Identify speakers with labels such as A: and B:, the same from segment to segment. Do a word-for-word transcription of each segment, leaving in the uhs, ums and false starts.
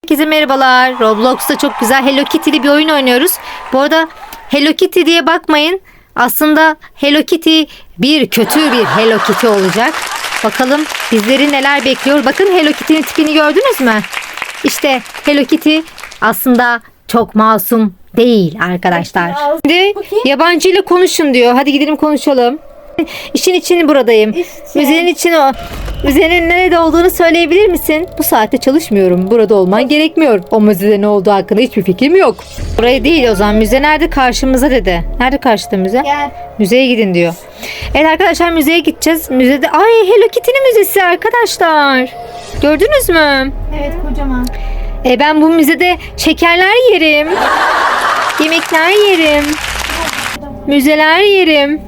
A: Herkese merhabalar. Roblox'ta çok güzel Hello Kitty'li bir oyun oynuyoruz. Bu arada Hello Kitty diye bakmayın. Aslında Hello Kitty bir kötü bir Hello Kitty olacak. Bakalım bizleri neler bekliyor. Bakın Hello Kitty'nin tipini gördünüz mü? İşte Hello Kitty aslında çok masum değil arkadaşlar. Şimdi yabancı ile konuşun diyor. Hadi gidelim konuşalım. İşin için buradayım. İşte. Müzenin için o. Müzenin nerede olduğunu söyleyebilir misin? Bu saatte çalışmıyorum. Burada olman gerekmiyor. O müzede ne olduğu hakkında hiçbir fikrim yok. Buraya değil o zaman. Müze nerede? Karşımıza dedi. Nerede karşıda müze?
B: Gel.
A: Müzeye gidin diyor. Evet arkadaşlar müzeye gideceğiz. Müzede ay Hello Kitty'nin müzesi arkadaşlar. Gördünüz mü?
B: Evet kocaman.
A: E ben bu müzede şekerler yerim. Yemekler yerim. Müzeler yerim.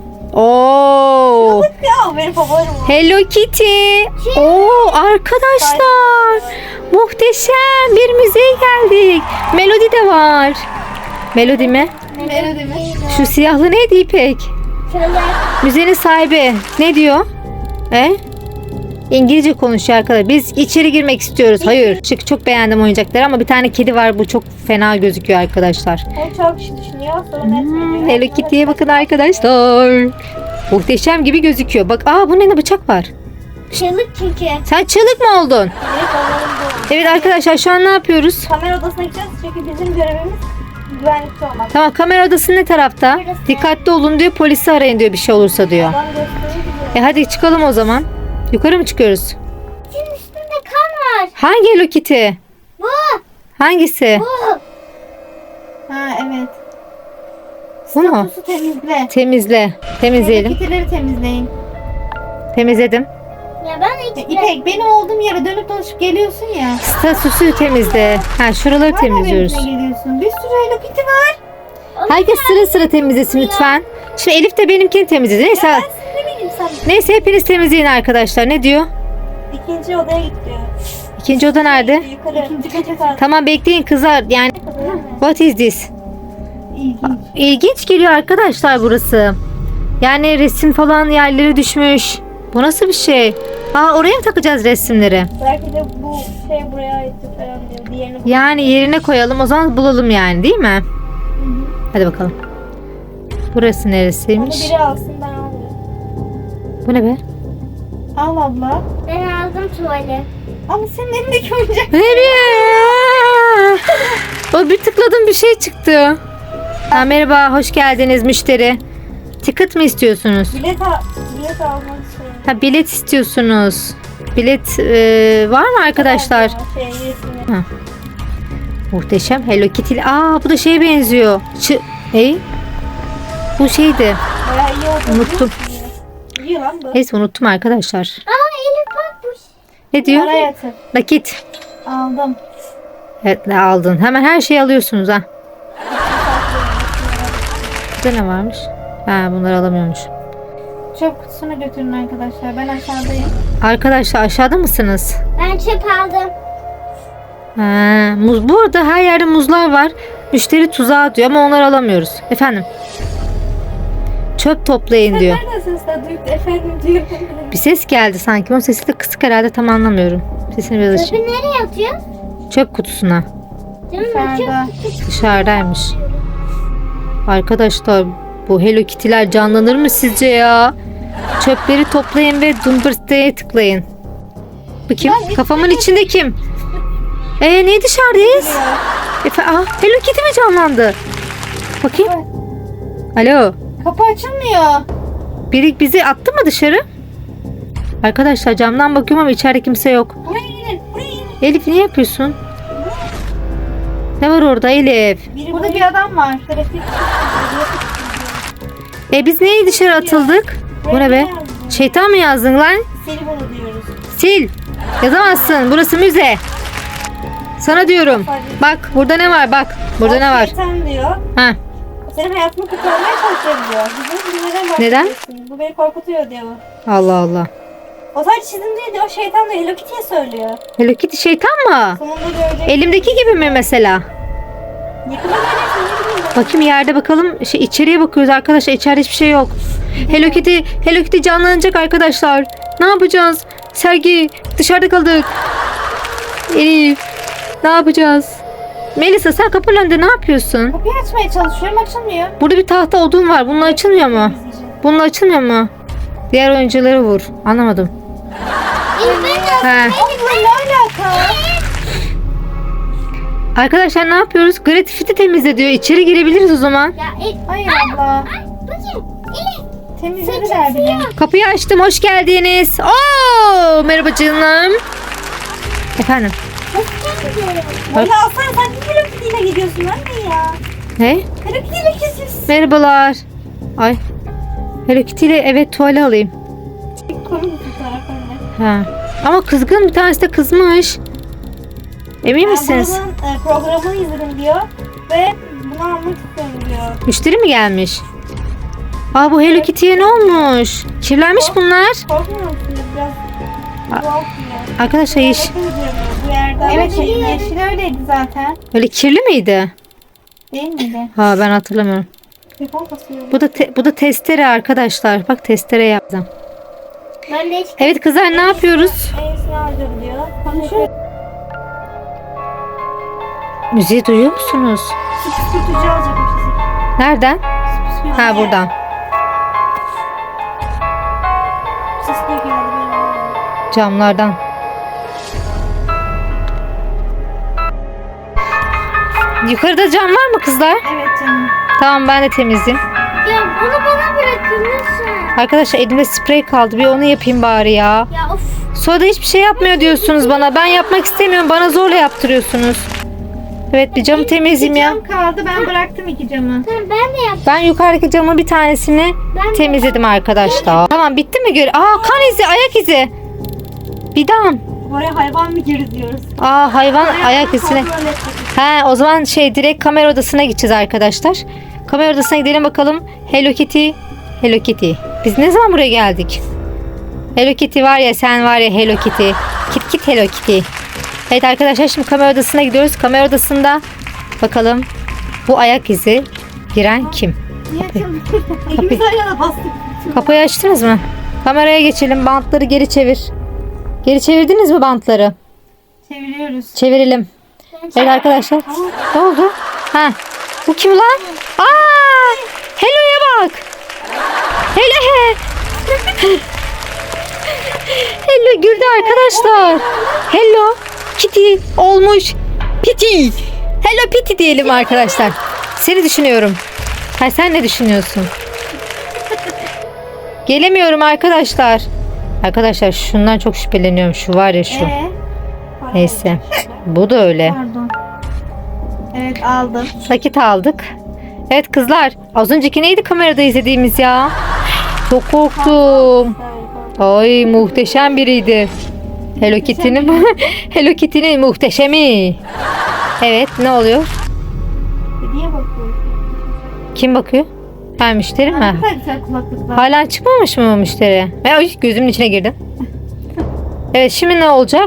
A: Oo.
B: Ya benim favorim o.
A: Hello Kitty. Oo arkadaşlar. Muhteşem bir müzeye geldik. Melody de var. Melody mi?
B: Melody mi?
A: Şu siyahlı neydi İpek? Müzenin sahibi ne diyor? E? İngilizce konuşuyor arkadaşlar. Biz içeri girmek istiyoruz. Hayır. Çık çok beğendim oyuncakları ama bir tane kedi var. Bu çok fena gözüküyor arkadaşlar.
B: O çok kişi düşünüyor. Sonra net
A: Hmm,
B: veriyor.
A: Hello Kitty'ye bakın arkadaşlar. Muhteşem gibi gözüküyor. Bak aa bu ne bıçak var.
B: Çığlık çünkü.
A: Sen çığlık mı oldun?
B: Evet olalım bu.
A: Evet arkadaşlar şu an ne yapıyoruz?
B: Kamera odasına gideceğiz çünkü bizim görevimiz güvenlikte olmak.
A: Tamam kamera odası ne tarafta?
B: Burası.
A: Dikkatli olun diyor. Polisi arayın diyor bir şey olursa diyor.
B: Adam gösteriyor bize.
A: E hadi çıkalım o zaman. Yukarı mı çıkıyoruz?
B: Senin üstünde kan var.
A: Hangi Hello Kitty?
B: Bu.
A: Hangisi?
B: Bu. Ha evet.
A: Bu mu?
B: Statusu temizle.
A: Temizle. Temizleyelim.
B: Kitleri temizleyin.
A: Temizledim.
B: Ya ben hiç... İpek benim olduğum yere dönüp dolaşıp geliyorsun ya.
A: Statüsü temizle. Ha şuraları temizliyoruz.
B: Hala geliyorsun. Bir sürü Hello Kitty var.
A: Herkes sıra sıra temizlesin lütfen. Şimdi Elif de benimkini temizledi. Neyse.
B: Ben size ne bileyim sen.
A: Neyse hepiniz temizleyin arkadaşlar. Ne diyor?
B: İkinci odaya git diyor.
A: İkinci oda nerede?
B: Yukarı. İkinci kata kaldı.
A: Tamam bekleyin kızlar. Yani what is this?
B: İlginç.
A: İlginç geliyor arkadaşlar burası. Yani resim falan yerlere düşmüş. Bu nasıl bir şey? Aa oraya mı takacağız resimleri?
B: Belki de bu şey buraya aitti falan diyor. Diğerini bul-
A: Yani yerine koyalım o zaman bulalım yani değil mi? Hadi bakalım. Burası
B: Onu
A: neresiymiş?
B: biri alsın ben almıyorum.
A: Bu ne be?
B: Al abla.
C: Ben aldım tuvali.
B: Ama senin elindeki oyuncak.
A: Nereye? O bir tıkladım bir şey çıktı. Ha, merhaba hoş geldiniz müşteri. Ticket mi istiyorsunuz?
B: Bilet, al bilet almak istiyorum.
A: Ha bilet istiyorsunuz. Bilet e, var mı arkadaşlar?
B: Şey, resmini.
A: Ha. Muhteşem Hello Kitty. Aa bu da şeye benziyor. Çı e? Bu şeydi.
B: Bayağı iyi oldu.
A: Unuttum.
B: İyi lan bu.
A: Neyse unuttum arkadaşlar.
C: Aa Elif bakmış.
A: Ne diyor?
B: Para yatır.
A: Nakit.
B: Aldım.
A: Evet ne aldın? Hemen her şeyi alıyorsunuz ha. Burada ne varmış? Ha bunları alamıyormuş.
B: Çöp kutusuna götürün arkadaşlar. Ben aşağıdayım.
A: Arkadaşlar aşağıda mısınız?
C: Ben çöp aldım.
A: Ha, muz. Bu arada her yerde muzlar var. Müşteri tuzağı diyor ama onları alamıyoruz. Efendim? Çöp toplayın diyor.
B: Nereden sesler duyup efendim diyor.
A: Bir ses geldi sanki. Onun sesi de kısık herhalde tam anlamıyorum. Sesini biraz
C: Çöpü
A: açayım.
C: nereye atıyor?
A: Çöp kutusuna.
C: Canım
B: Dışarıda.
A: Dışarıdaymış. Arkadaşlar bu Hello Kitty'ler canlanır mı sizce ya? Çöpleri toplayın ve Dumbrst'e tıklayın. Bakayım kafamın içinde kim? Ee niye dışarıdayız? Efe, aa, Hello Kitty mi canlandı? Bakayım. Alo.
B: Kapı açılmıyor.
A: Biri bizi attı mı dışarı? Arkadaşlar camdan bakıyorum ama içeride kimse yok.
B: Buraya inin. Buraya inin.
A: Elif ne yapıyorsun? Ne var orada Elif?
B: Biri Burada bir adam var. Trafik.
A: E biz niye dışarı atıldık? Bu ne be? Şeytan mı yazdın lan?
B: Seni bunu diyoruz.
A: Sil. Yazamazsın. Burası müze. Sana diyorum. Bak burada ne var bak. Burada ne var?
B: Şeytan diyor.
A: Ha.
B: Senin hayatını kurtarmaya çalışıyor diyor. Bizim neden
A: Neden?
B: bahsediyorsun? Bu beni korkutuyor diyor.
A: Allah Allah.
B: O sadece çizim değil diyor. Şeytan diyor. Hello Kitty'ye söylüyor.
A: Hello Kitty şeytan mı?
B: Sonunda görecek.
A: Elimdeki gibi mi mesela?
B: Yakına göreceksin. Ne bileyim ben.
A: Bakayım yerde bakalım. Şey, içeriye bakıyoruz arkadaşlar. İçeride hiçbir şey yok. Hello Kitty, Hello Kitty canlanacak arkadaşlar. Ne yapacağız? Sergi dışarıda kaldık. Elif. Ne yapacağız? Melisa sen kapının önünde ne yapıyorsun?
B: Kapıyı açmaya çalışıyorum, açılmıyor.
A: Burada bir tahta odun var. Bununla açılmıyor mu?
B: İzleyeceğim.
A: Bununla açılmıyor mu? Diğer oyuncuları vur. Anlamadım. He.
B: Abla ne alaka?
A: Arkadaşlar ne yapıyoruz? Graffiti temizle diyor. İçeri girebiliriz o zaman.
C: Ya e,
B: Hayır abla.
C: ay bakayım. İyi.
B: Temizlediler bile.
A: Kapıyı açtım. Hoş geldiniz. Oo, merhaba canım. Efendim.
B: Abla Hasan sen niye Hello Kitty'yle gidiyorsun anne ya?
A: Ne?
B: Hello Kitty'yle geziyorsun.
A: Merhabalar. Ay. Hello Kitty ile evet tuvale alayım.
B: Koyun fotoğraf anne.
A: Ha. Ama kızgın, bir tanesi de kızmış. Emin
B: Ben
A: misiniz?
B: bunun, e, programını izledim diyor. Ve bunu almak istiyorum diyor.
A: Müşteri mi gelmiş? Aa, bu Hello Kitty'ye ne olmuş? Kirlenmiş bunlar.
B: Korkmuyor musun? Biraz tuhaf diyor.
A: Arkadaşlar yeş
B: Bakın diyor bu yerde. Evet şey, yeşil öyleydi zaten.
A: öyle kirli miydi?
B: Değil miydi?
A: Ha, ben hatırlamıyorum.
B: Telefon kasıyor.
A: Bu da te- bu da testere arkadaşlar. Bak, testere yaptım.
C: Ben de hiç
A: Evet kızlar, ne yapıyoruz?
B: Enesini alacağım diyor. Konuşuyor.
A: Müziği duyuyor musunuz?
B: Süpütücü alacak o fizik.
A: Nereden?
B: Süpütücü.
A: Ha, buradan.
B: Ses de geldi benim.
A: Camlardan. Yukarıda cam var mı kızlar?
B: Evet canım.
A: Tamam, ben de temizleyeyim.
C: ya bunu bana bırakın lütfen.
A: Arkadaşlar elimde sprey kaldı. Bir onu yapayım bari ya.
C: Ya of.
A: Sonra da hiçbir şey yapmıyor diyorsunuz bana. Ben yapmak istemiyorum. Bana zorla yaptırıyorsunuz. Evet, bir camı temizleyeyim ya.
B: Cam kaldı, ben bıraktım iki camı.
C: Tamam ben de yap.
A: Ben yukarıdaki camın bir tanesini
C: Ben de-
A: temizledim arkadaşlar. Tamam, bitti mi? Gör. Aa, kan izi, ayak izi. Bidam.
B: Oraya hayvan mı girdi diyoruz.
A: Aa, hayvan ayak izine.
B: Kontrol ettik.
A: He, o zaman şey direkt kamera odasına gideceğiz arkadaşlar. Kamera odasına gidelim bakalım. Hello Kitty. Hello Kitty. Biz ne zaman buraya geldik? Hello Kitty var ya, sen var ya Hello Kitty. Kit kit Hello Kitty. Evet arkadaşlar, şimdi kamera odasına gidiyoruz. Kamera odasında bakalım bu ayak izi giren kim?
B: Niye açıldı? İkimiz aynı anda bastık.
A: Kapıyı açtınız mı? Kameraya geçelim. Bantları geri çevir. Geri çevirdiniz mi bantları?
B: Çeviriyoruz.
A: Çevirelim. Evet arkadaşlar. Ne oldu? Ha. Bu kim lan? Aa! Hello'ya bak. Hello he. Hello güldü arkadaşlar. Hello Kitty olmuş. Piti. Hello Piti diyelim arkadaşlar. Seni düşünüyorum. Ha, sen ne düşünüyorsun? Gelemiyorum arkadaşlar. Arkadaşlar şundan çok şüpheleniyorum. Şu var ya şu.
B: Ee?
A: Neyse. Bu da öyle.
B: Pardon. Evet aldım.
A: Nakit aldık. Evet kızlar. Az önceki neydi kamerada izlediğimiz ya? Çok korktum. Ay, muhteşem biriydi. Hello Kitty'nin Hello Kitty'nin muhteşemi. Evet, ne oluyor?
B: Hediye bakıyorum.
A: Kim bakıyor? Ha, müşteri mi?
B: Ne kadar güzel kulaklıklar.
A: Hala çıkmamış mı o müşteri? Ay, gözümün içine girdin. Evet, şimdi ne olacak?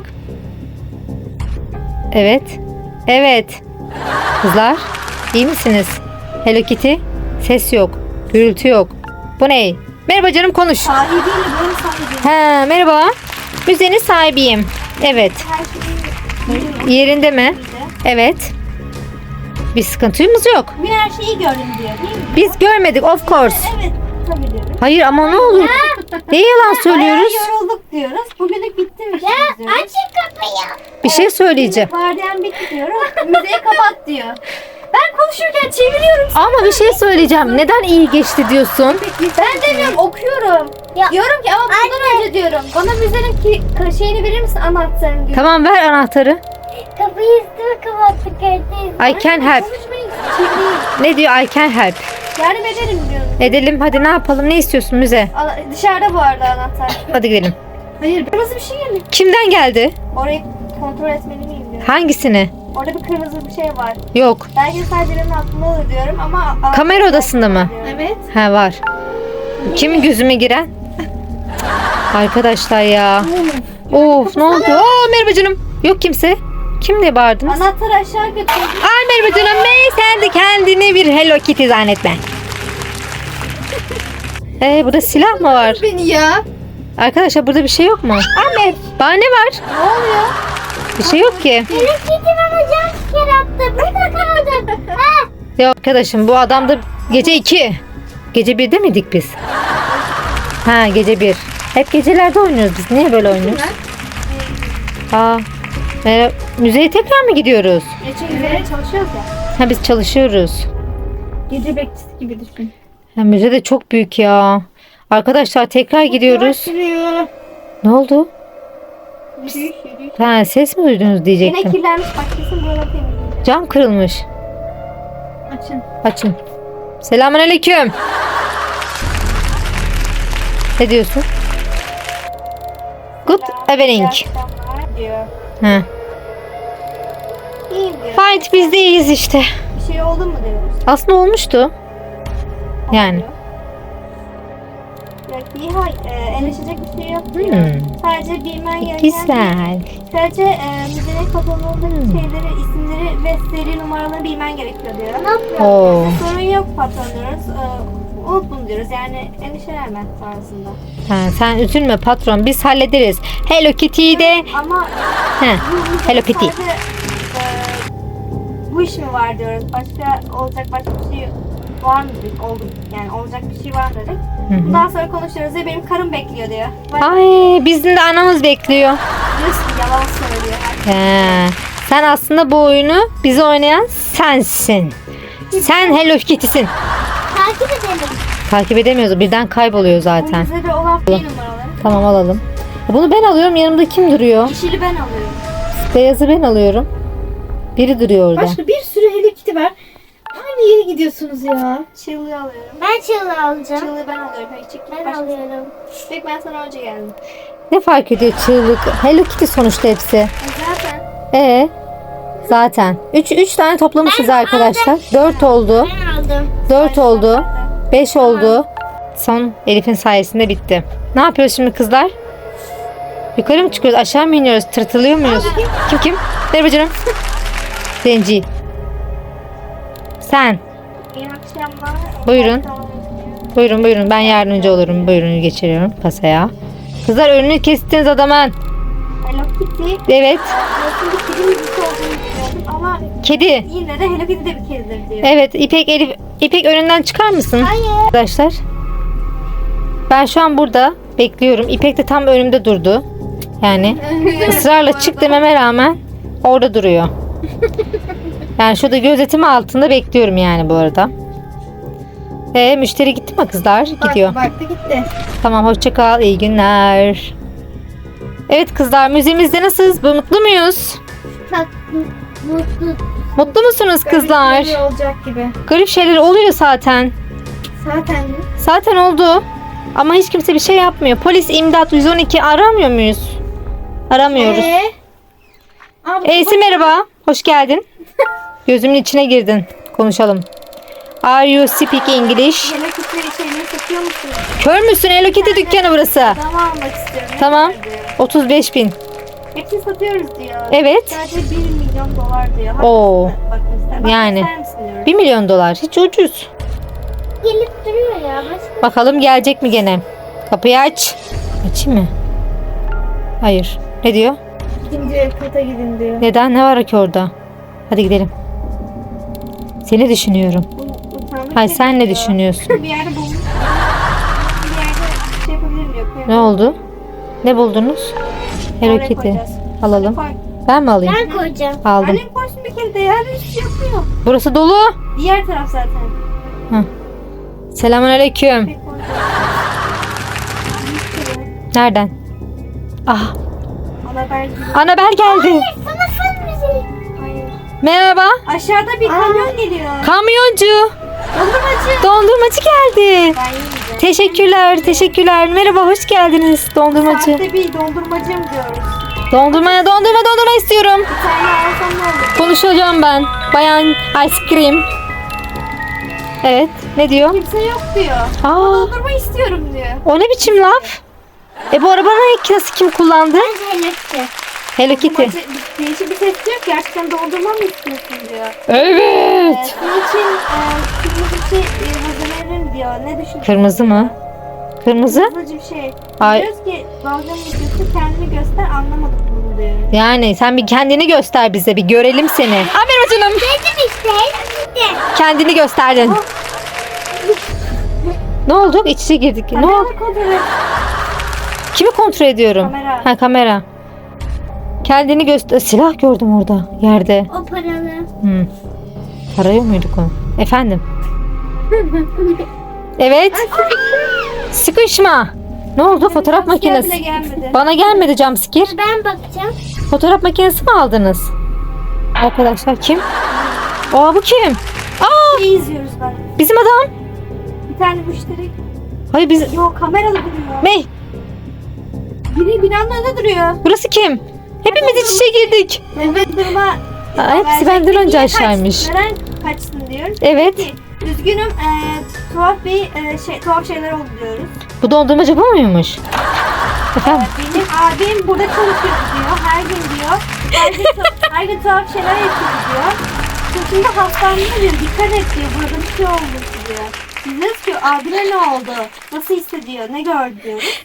A: Evet. Evet. Kızlar, iyi misiniz? Hello Kitty. Ses yok. Gürültü yok. Bu ne? Merhaba canım, konuş.
B: Sahibi değil mi? Benim sahibim.
A: Ha, merhaba. Müzenin sahibiyim. Evet.
B: Her şeyi
A: Yerinde mi? Evet. Bir sıkıntımız yok.
B: bugün her şeyi gördüm diyor değil mi?
A: Biz görmedik, of course.
B: Evet. Tabii diyorum.
A: Hayır ama ne olur? Ne yalan söylüyoruz?
B: Bayağı yorulduk diyoruz. Bugünlük bitti mi
C: Ya
B: diyoruz.
C: açın kapıyı.
A: Bir şey söyleyeceğim.
B: Vardiyan bitti diyoruz. Müzeyi kapat diyor. Ben konuşurken çeviriyorum.
A: Ama bir şey söyleyeceğim. Neden iyi geçti diyorsun?
B: Ben demiyorum, okuyorum.
C: Ya,
B: Diyorum ki ama bundan önce diyorum. Bana müzenin ki şeyini verir misin, anahtarını diyor.
A: Tamam, ver anahtarı.
C: kapıyı üstüme kapattık herkes.
A: I can help.
B: Konuşmayın, çevireyim.
A: Ne diyor? I can help.
B: Yardım ederim diyorum.
A: Edelim, hadi ne yapalım? Ne istiyorsun müze?
B: Ana- dışarıda bu arada anahtar.
A: Hadi gidelim.
B: Hayır, kırmızı bir şey geldi.
A: Kimden geldi?
B: Orayı kontrol etmeli miyim diyorum.
A: Hangisini?
B: Orada bir kırmızı bir şey var.
A: Yok.
B: Belki de sadece benim aklımda olur diyorum ama...
A: Kamera odasında mı?
B: Evet.
A: Ha, var. Kimin gözüme giren? Arkadaşlar ya. Of, ne oldu? Aa, merhaba canım. Yok kimse. Kim diye bağırdınız?
B: Anahtarı aşağı götürdüm.
A: Ay merhaba canım. May, sen de kendini bir Hello Kitty zannetme. Ee, burada silah mı var?
B: Beni ya.
A: Arkadaşlar burada bir şey yok mu? Ahmet. Bana ne var?
B: Ne oluyor?
A: Bir şey yok ki.
C: Hello Kitty bana
A: Ya arkadaşım bu adam da gece iki. Gece birde miydik biz? Ha gece bir. Hep gecelerde oynuyoruz biz. Niye böyle oynuyoruz? Aa, e, müzeye tekrar mı gidiyoruz?
B: Geçen üzere çalışıyoruz ya.
A: Ha biz çalışıyoruz.
B: Gece bekçisi gibi düşün.
A: Ha, müze de çok büyük ya. Arkadaşlar tekrar gidiyoruz.
B: Yürüyor.
A: Ne oldu?
B: Yürüyor.
A: Ha ses mi duydunuz
B: Yine
A: diyecektim.
B: kirlenmiş bak kesin buraları temizleyeceğim.
A: Cam kırılmış.
B: Açın.
A: Açın. Selamünaleyküm. Ne diyorsun? Good evening.
B: İyi akşamlar diyor.
A: Ha.
B: İyi diyor.
A: Fight biz de iyiyiz işte.
B: Bir şey oldu mu diyoruz.
A: Aslında olmuştu. Yani.
B: Yok iyi hayır. E, endişecek bir şey yok diyor.
A: Hmm.
B: Sadece bilmen gereken
A: Güzel.
B: sadece e, müzenin kapanıldığı
A: Hmm.
B: şeyleri, isimleri ve seri numaralarını bilmen gerekiyor diyor.
C: Ne yapıyor?
A: Oo.
B: Sorun yok patron diyoruz. E, unut bunu diyoruz. Yani endişelenme tarzında.
A: Ha, sen üzülme patron biz hallederiz. Hello Kitty'yi de.
B: Ama
A: He.
B: bu müzede
A: Hello Kitty.
B: sadece, e, bu iş mi var diyoruz. Başka olacak başka bir şey var mı dedik. Oldu. Yani olacak bir şey var dedik.
A: Hı hı.
B: Bundan sonra konuşuyoruz ve benim karım bekliyor diyor. Bak,
A: Ay bizim de anamız bekliyor.
B: diyorsun yalan söylüyor.
A: He. Sen aslında bu oyunu bize oynayan sensin. Sen Hello Kitty'sin.
C: Takip edelim.
A: Takip edemiyoruz. Birden kayboluyor
B: Bu
A: zaten.
B: müzede olan bir numaraları.
A: Tamam alalım. Bunu ben alıyorum. Yanımda kim duruyor?
B: Yeşili ben alıyorum.
A: Beyazı ben alıyorum. Biri duruyor orada.
B: Başka bir sürü Hello Kitty var. Aynı yere gidiyorsunuz ya. Çığlığı alıyorum.
C: Ben çığlığı alacağım.
B: Çığlığı ben alıyorum. Peki çık.
C: Ben
B: Başka-
C: alıyorum.
B: Peki ben sana önce geldim.
A: Ne fark ediyor çığlık? Hello Kitty sonuçta hepsi.
B: E zaten.
A: Ee, zaten. üç üç tane toplamışız arkadaşlar. dört oldu.
C: Ben aldım.
A: dört oldu. beş oldu. Son Elif'in sayesinde bitti. Ne yapıyoruz şimdi kızlar? Yukarı mı çıkıyoruz? Aşağı mı iniyoruz? Tırtılıyor muyuz? Kim kim? Merhaba canım. Zenci. Sen.
B: İyi akşamlar.
A: Buyurun. Buyurun buyurun. Ben yardımcı olurum. Buyurun geçiriyorum kasaya. Kızlar önünü kestiniz adamın.
B: Hello Kitty.
A: Evet.
B: Nasıl bir kedi müzisi olduğunu biliyordum ama
A: Kedi.
B: yine de Hello Kitty de bir kedidir diyor.
A: Evet İpek Elif. İpek önünden çıkar mısın?
C: Hayır.
A: Arkadaşlar. Ben şu an burada bekliyorum. İpek de tam önümde durdu. Yani ısrarla çık dememe rağmen orada duruyor. Yani şurada gözetimi altında bekliyorum yani bu arada. Ee, müşteri gitti mi kızlar? Gidiyor.
B: Baktı gitti.
A: Tamam hoşça kal. İyi günler. Evet kızlar müziğimizde nasılsınız? Bu- Mutlu muyuz?
C: Bak mutlu.
A: Mutlu musunuz kızlar?
B: Garip bir olacak gibi.
A: Garip şeyler oluyor zaten.
B: Zaten
A: Zaten oldu. Ama hiç kimse bir şey yapmıyor. Polis, imdat, yüz on iki aramıyor muyuz? Aramıyoruz.
B: Ee? Abi,
A: Eysi merhaba. Hoş geldin. Gözümün içine girdin. Konuşalım. Are you speak English?
B: Hello Kitty şeyleri satıyor musun?
A: Kör müsün? Hello Kitty dükkanı burası.
B: Adamı almak istiyorum. Ne
A: Tamam.
B: kadar diyor.
A: otuz beş bin.
B: Hepsini satıyoruz diyor.
A: Evet.
B: Sadece bir milyon dolar diyor. Hadi
A: Oo.
B: Bak ister. Bak
A: Yani.
B: ister misin diyorum.
A: bir milyon dolar. Hiç ucuz.
C: Gelip duruyor ya. Başka.
A: Bakalım gelecek mi gene? Kapıyı aç. Açayım mı? Hayır. Ne diyor?
B: Gidin diyor, kata gidin diyor.
A: Neden? Ne var ki orada? Hadi gidelim. Seni düşünüyorum.
B: Bu utanmış
A: Hayır sen ne
B: diyor.
A: düşünüyorsun?
B: Bir yerde bulmuş. Bir yerde şey yapabilir mi? Yok.
A: Ne oldu? Ne buldunuz? Hello
B: Oraya
A: Kitty.
B: koyacağız.
A: Alalım.
B: Koy.
A: Ben mi alayım?
C: Ben koyacağım.
A: Aldım.
B: Annem koysun bir kere de ya. Hiçbir şey yapmıyor.
A: Burası dolu.
B: Diğer taraf zaten.
A: Selamünaleyküm.
B: Tek koy.
A: Nereden? Ah,
B: Anabel gibi.
A: Annabel geldi.
C: Sana fın müziği.
B: Hayır.
A: Merhaba.
B: Aşağıda bir kamyon geliyor.
A: Kamyoncu.
B: Dondurmacı.
A: Dondurmacı geldi.
B: Ben yiyeceğim.
A: Teşekkürler, teşekkürler. Merhaba, hoş geldiniz dondurmacı.
B: Saatte bir dondurmacım diyoruz.
A: Dondurmaya dondurma dondurma istiyorum.
B: Bir tane alsam ne olur?
A: Konuşacağım ben. Bayan ice cream. Evet, ne diyor?
B: Kimse yok diyor.
A: Aa,
B: Dondurma istiyorum diyor.
A: o ne biçim laf? E bu arabanın nasıl kim kullandı?
C: Bence Hello Kitty.
A: Hello Kitty.
B: Dondurmacı bir- değişik bir ses diyor ki gerçekten dondurma mı istiyorsun diyor.
A: Evet.
B: Ee, Bunun için e, kırmızı bir şey e, hazırlayalım diyor. Ne düşünüyorsun?
A: Kırmızı mı? Kırmızı?
B: Kızılcı bir şey.
A: Ay.
B: Diyoruz ki dalganın videosu kendini göster anlamadık bunu diyor.
A: Yani sen bir kendini göster bize, bir görelim seni. Aferin canım.
C: Dedim işte. Dedim.
A: Kendini gösterdin. Ne oldu? İç içe girdik. Ne oldu?
B: Kamera kontrol et.
A: Kimi kontrol ediyorum?
B: Kamera.
A: Ha, kamera. Kendini göster. Silah gördüm orada yerde.
C: O paralı.
A: Hmm. Arıyor muyduk onu? Efendim? Evet. Sıkışma. Ne oldu? Fotoğraf
B: Jumpscare bile
A: makinesi.
B: gelmedi.
A: Bana gelmedi jumpscare.
C: Ben bakacağım.
A: Fotoğraf makinesi mi aldınız? Arkadaşlar kim? Aa, bu kim? Aa,
B: İyi izliyoruz ben.
A: bizim adam.
B: Bir tane müşteri.
A: Hayır, biz...
B: Yok kameralı duruyor.
A: Ne?
B: Biri binanın önünde duruyor.
A: Burası kim? Hepimiz iç içe girdik.
B: Evet durma.
A: Aa, hepsi benden önce aşağıymış.
B: Neden kaçsın diyoruz.
A: Evet.
B: Peki, üzgünüm eee tuhaf bir eee, şey tuhaf şeyler oldu diyoruz.
A: Bu dondurmacı bu muymuş? Efendim?
B: Benim abim burada çalışıyor diyor. Her gün diyor. Her gün, tu- her gün tuhaf şeyler yapıyor diyor. Çocuğunda hastalandı diyor. Dikkat et diyor. Burada bir şey oldu diyor. Biz diyoruz ki abine ne oldu? Nasıl hissediyor? Ne gördü diyoruz.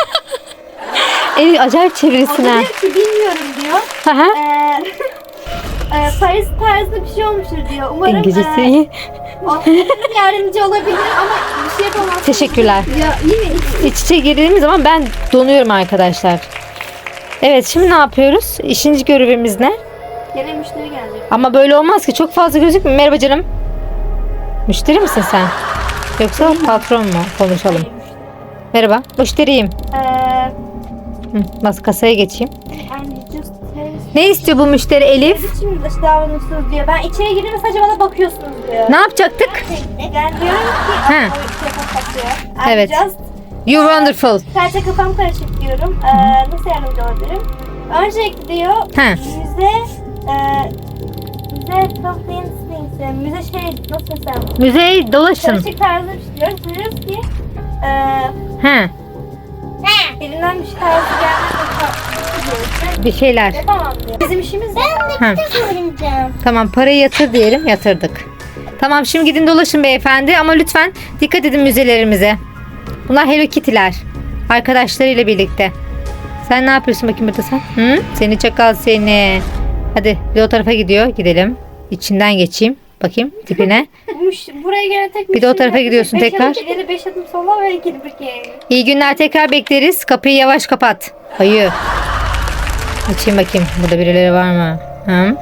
A: E, acayip
B: O da
A: çevirisine.
B: diyor ki bilmiyorum diyor.
A: Hı hı.
B: Eee eee, Paris tarzında bir şey olmuştur diyor. Umarım
A: İngilizcesi
B: eee,
A: iyi.
B: o yardımcı olabilir ama bir şey yapamaz.
A: Teşekkürler.
B: Ya iyi mi?
A: İç içe girdiğimiz zaman ben donuyorum arkadaşlar. Evet, şimdi ne yapıyoruz? İşinci görevimiz ne?
B: Gene müşteri gelecek.
A: Ama böyle olmaz ki, çok fazla gözükmüyor. Merhaba canım. Müşteri misin sen? Yoksa patron mu? Konuşalım.
B: Hayır, müşteri.
A: Merhaba, müşteriyim.
B: Eee
A: Hı, mas kasaya geçeyim.
B: and just tell-
A: Ne istiyor bu müşteri Elif?
B: Şimdi dış davranışsınız diyor. Ben içeri girdim sadece bana bakıyorsunuz diyor.
A: Ne yapacaktık?
B: Ben diyorum ki
A: Ha.
B: Aa, o telefon kaçıyor. I'm
A: Evet.
B: Just,
A: You wonderful.
B: sadece kafam karışık diyorum. Ee, nasıl yardımcı olabilirim? Öncelikle diyor
A: Ha.
B: müze e, müze something things yani müze şey nasıl desem
A: Müzeyi dolaşın.
B: karışık tarzı bir şey diyoruz. Diyoruz ki e,
A: Ha,
B: elimden bir şey tarzı gelmez diyoruz.
A: bir şeyler.
B: Yapamam diyor. Bizim işimiz
A: Ha.
C: Soracağım.
A: Tamam, parayı yatır diyelim, yatırdık. Tamam, şimdi gidin dolaşın beyefendi ama lütfen dikkat edin müzelerimize. Bunlar Hello Kitty'ler. Arkadaşlarıyla birlikte. Sen ne yapıyorsun bakayım burada sen? Hı? Seni çakal seni. Hadi bir o tarafa gidiyor. Gidelim. İçinden geçeyim. Bakayım tipine.
B: Müş- buraya gelen tek
A: Bir de o
B: müşteri
A: tarafa
B: yok.
A: gidiyorsun
B: Beş
A: tekrar.
B: adım ileri beş adım sola ve geri bir kere.
A: İyi günler, tekrar bekleriz. Kapıyı yavaş kapat. Hayır. Açayım bakayım. Burada birileri var mı? Hı?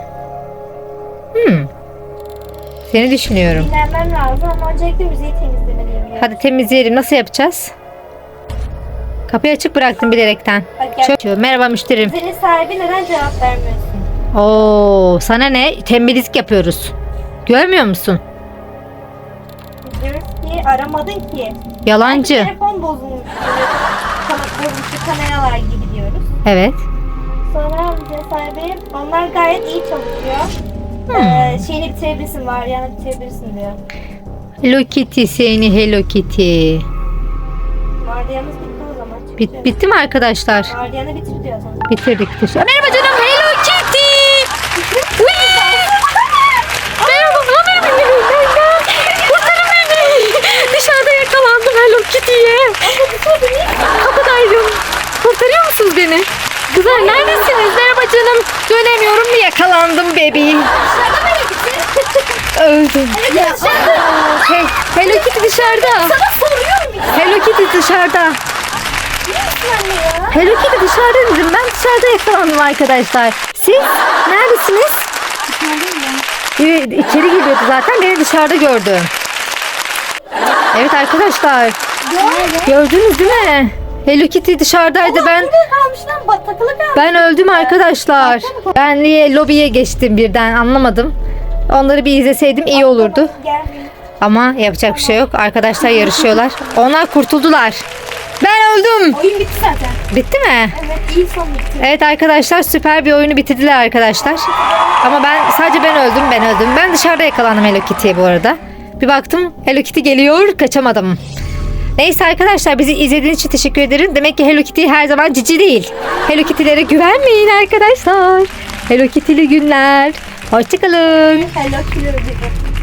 A: Hmm. Seni düşünüyorum.
B: Dinlenmem lazım ama öncelikle müziği temizlemeliyim. diyor.
A: Hadi temizleyelim. Nasıl yapacağız? Kapıyı açık bıraktım bilerekten.
B: Bak gel.
A: Çok... Merhaba müşterim.
B: Müzenin sahibi neden cevap vermiyorsun?
A: Oo, sana ne? Tembellik yapıyoruz. Görmüyor musun?
B: Biz diyoruz ki aramadın ki. Belki
A: Yalancı.
B: telefon bozulmuş. Kana- Bozulmuş kameralar gibi diyoruz.
A: Evet.
B: Sonra müzenin sahibi onlar gayet iyi çalışıyor.
A: Hmm.
B: Ee, şeyini bitirebilirsin var yani bitirebilirsin diyor.
A: Hello Kitty seni, Hello Kitty.
B: Vardiyamız bitti o zaman.
A: Bit
B: çıkacağız.
A: bitti mi arkadaşlar?
B: Vardiyanı bitir diyor sana.
A: Bitirdik. Teşekkür. Merhaba canım, Hello Kitty. Whee! Merhaba, ne haber benim? Kurtarın beni. Dışarıda yakalandım Hello Kitty'ye. Kapıdaydım. Kurtarıyor musunuz beni? Kızlar neredesiniz? Merhaba canım. Dönemiyorum mu? Yakalandım bebeğim.
B: Dışarıda mı gittin?
A: Öldüm.
B: Ya dışarıda.
A: Hey, Hello Kitty dışarıda.
B: Sana soruyorum ya.
A: Hello Kitty dışarıda.
B: Nasıl anne ya?
A: Hello Kitty dışarıda dedim. Ben dışarıda yakalandım arkadaşlar. Siz neredesiniz? Evet, içeri geliyordu zaten. Beni dışarıda gördü. Evet arkadaşlar. Gördünüz değil mi? Hello Kitty dışarıdaydı. Ben
B: Burada kalmış lan bak takılı kalmış.
A: ben öldüm arkadaşlar. Ben niye lobiye geçtim birden anlamadım. Onları bir izleseydim iyi olurdu.
B: Gel.
A: Ama yapacak bir şey yok. Arkadaşlar yarışıyorlar. Onlar kurtuldular. Ben öldüm.
B: Oyun bitti zaten.
A: Bitti mi?
B: Evet iyi son bitti.
A: Evet arkadaşlar, süper bir oyunu bitirdiler arkadaşlar. Ama ben sadece ben öldüm, ben öldüm. Ben dışarıda yakalandım Hello Kitty'ye bu arada. Bir baktım Hello Kitty geliyor, kaçamadım. Neyse arkadaşlar, bizi izlediğiniz için teşekkür ederim. Demek ki Hello Kitty her zaman cici değil. Hello Kitty'lere güvenmeyin arkadaşlar. Hello Kitty'li günler. Hoşçakalın.
B: Hello kilo gibi.